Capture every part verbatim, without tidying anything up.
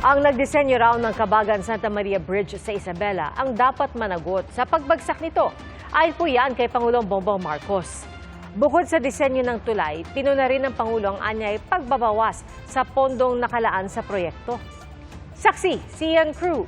Ang nagdisenyo raw ng Kabagan Santa Maria Bridge sa Isabela ang dapat managot sa pagbagsak nito. Ayon po yan kay Pangulong Bongbong Marcos. Bukod sa disenyo ng tulay, pinuna rin ng Pangulo ang anyay pagbabawas sa pondong nakalaan sa proyekto. Saksi, si Ian Cruz.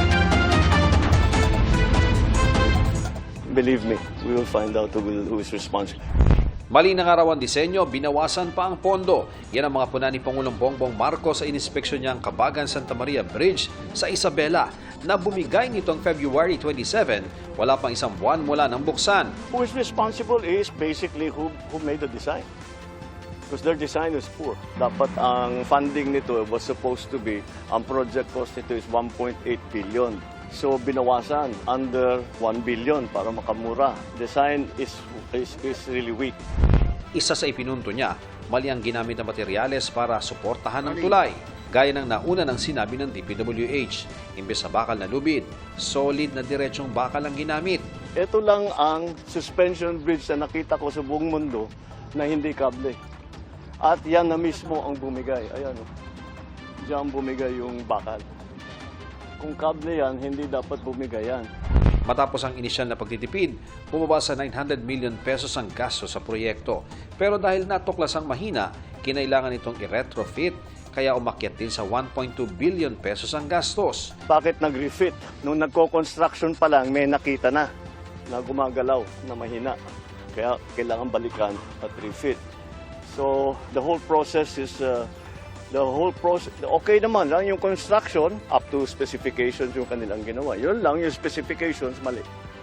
Believe me, we will find out who, will, who is responsible. Mali na nga raw ang disenyo, binawasan pa ang pondo. Yan ang mga puna ni Pangulong Bongbong Marcos sa inispeksyon niyang Kabagan Santa Maria Bridge sa Isabela na bumigay nitong February twenty-seven, wala pang isang buwan mula ng buksan. Who is responsible is basically who, who made the design. Because their design is poor. Dapat ang funding nito was supposed to be, ang project cost nito is one point eight billion. So binawasan under one billion para makamura. Design is, is, is really weak. Isa sa ipinunto niya, mali ang ginamit na materyales para suportahan ng tulay. Gaya ng nauna ng sinabi ng D P W H, imbes sa bakal na lubid, solid na diretsong bakal ang ginamit. Ito lang ang suspension bridge na nakita ko sa buong mundo na hindi kable. At yan na mismo ang bumigay. Ayan, oh. Diyan bumigay yung bakal. Kung kable yan, hindi dapat bumigay yan. Matapos ang inisyal na pagtitipid, bumaba sa nine hundred million pesos ang gasto sa proyekto. Pero dahil natuklas ang mahina, kinailangan itong i-retrofit, kaya umakyat din sa one point two billion pesos ang gastos. Bakit nag-refit? Nung nagko-construction pa lang, may nakita na na gumagalaw, na mahina. Kaya kailangan balikan at refit. So, the whole process is... Uh, The whole process, okay naman lang yung construction, up to specifications yung kanilang ginawa. Yun lang, yung specifications, mali.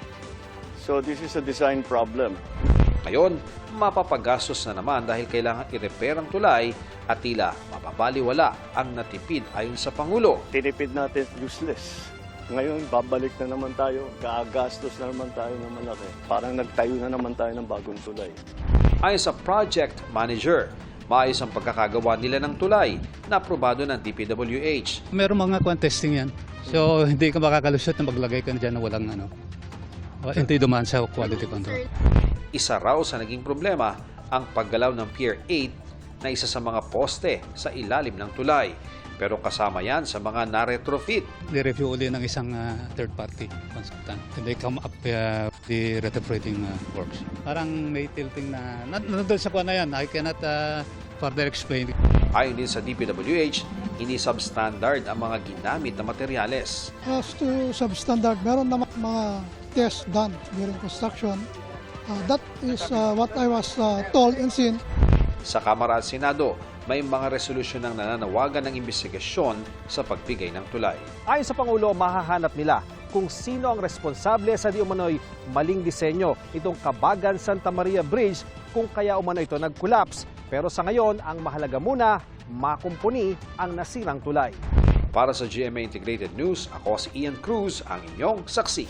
So this is a design problem. Ngayon, mapapagastos na naman dahil kailangan i-repair ang tulay at tila mapabaliwala ang natipid ayon sa Pangulo. Tinipid natin, useless. Ngayon, babalik na naman tayo, gagastos na naman tayo ng malaki. Parang nagtayo na naman tayo ng bagong tulay. Ayon sa project manager, maayos ang pagkakagawa nila ng tulay na aprobado ng D P W H. Meron mga contesting yan. So, hindi ka makakalusot na maglagay ka na dyan na walang ano. Uh, hindi dumaan sa quality control. Isa raw sa naging problema ang paggalaw ng Pier eight na isa sa mga poste sa ilalim ng tulay. Pero kasama yan sa mga na-retrofit. Ni-review uli ng isang uh, third-party consultant. And they come up uh, the retrofitting uh, works. Parang may tilting na, nandun sa kuha na yan, I cannot uh, further explain. Ayon din sa D P W H, hindi substandard ang mga ginamit na materyales. As to substandard, meron naman mga tests done during construction. Uh, that is uh, what I was uh, told and seen. Sa Kamara at Senado, may mga resolusyon ng nananawagan ng investigasyon sa pagbigay ng tulay. Ayon sa Pangulo, mahahanap nila kung sino ang responsable sa di umano'y maling disenyo itong Kabagan Santa Maria Bridge kung kaya umano ito nag-collapse. Pero sa ngayon, ang mahalaga muna, makumpuni ang nasirang tulay. Para sa G M A Integrated News, ako si Ian Cruz, ang inyong saksi.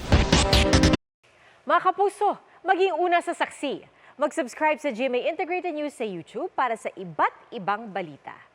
Mga kapuso, maging una sa saksi. Mag-subscribe sa G M A Integrated News sa YouTube para sa iba't ibang balita.